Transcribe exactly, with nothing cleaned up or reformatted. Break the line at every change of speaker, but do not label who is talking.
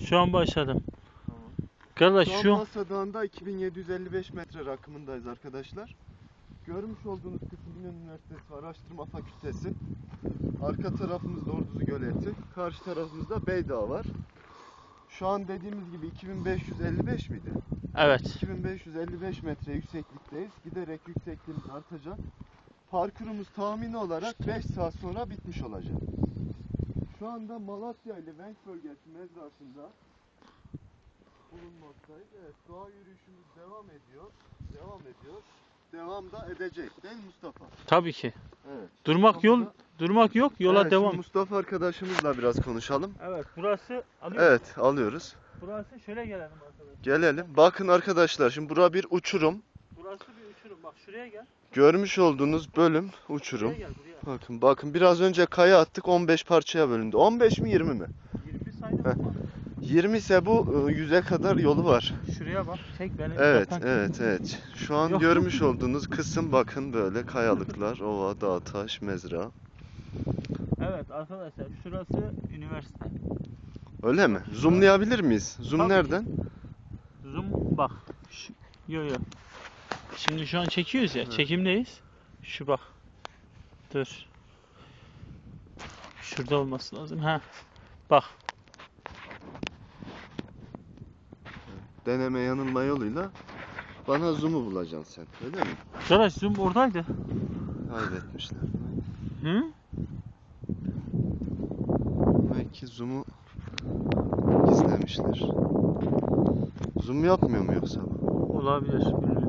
Şu an başladım.
Tamam.
Kardeş
Şu an
şu
Masa Dağı'nda iki bin yedi yüz elli beş metre rakımındayız arkadaşlar. Görmüş olduğunuz kısım Binali Üniversitesi Araştırma Fakültesi. Arka tarafımızda Orduzu Göleti. Karşı tarafımızda Beydağ var. Şu an dediğimiz gibi iki bin beş yüz elli beş miydi?
evet.
iki bin beş yüz elli beş metre yükseklikteyiz. Giderek yüksekliğimiz artacak. Parkurumuz tahmini olarak beş saat sonra bitmiş olacak. Şu anda Malatya ile Venk bölgesi mezrasında bulunmaktayız. Evet, doğa yürüyüşümüz devam ediyor. Devam ediyor. Devam da edecek değil mi Mustafa?
Tabii ki.
Evet.
Durmak yol
Sonunda-
durmak yok. Yola
Evet, şimdi
devam.
Mustafa arkadaşımızla biraz konuşalım.
Evet, burası alıyor.
Evet, alıyoruz.
Burası şöyle gelelim arkadaşlar.
Gelelim. Bakın arkadaşlar, şimdi bura bir uçurum.
Burası bir uçurum. Bak şuraya gel.
Görmüş olduğunuz bölüm uçurum.
Buraya gel buraya.
Bakın bakın biraz önce kaya attık, on beş parçaya bölündü. on beş mi yirmi mi?
yirmi saydım
Heh.
ama.
yirmi ise bu yüze kadar yolu var.
Şuraya bak. Çek beni.
Evet,
uzaktan.
evet, evet. Şu an
Yok.
görmüş olduğunuz kısım bakın böyle kayalıklar, ova, dağ, taş, mezra.
Evet arkadaşlar, şurası üniversite.
Öyle mi? Zoomlayabilir miyiz? Zoom
Tabii ki.
nereden?
Zoom bak. Şu, yo yo. Şimdi şu an çekiyoruz ya.
Hı.
Çekimdeyiz. Şu bak. Dur. Şurada olması lazım. Ha. Bak.
Deneme yanılma yoluyla bana zoom'u bulacaksın sen. Öyle mi?
Arkadaş zoom oradaydı.
Kaybetmişler.
Hı?
Belki zoom'u gizlemişler. Zoom yapmıyor mu yoksa?
Olabilir. Bilmiyorum.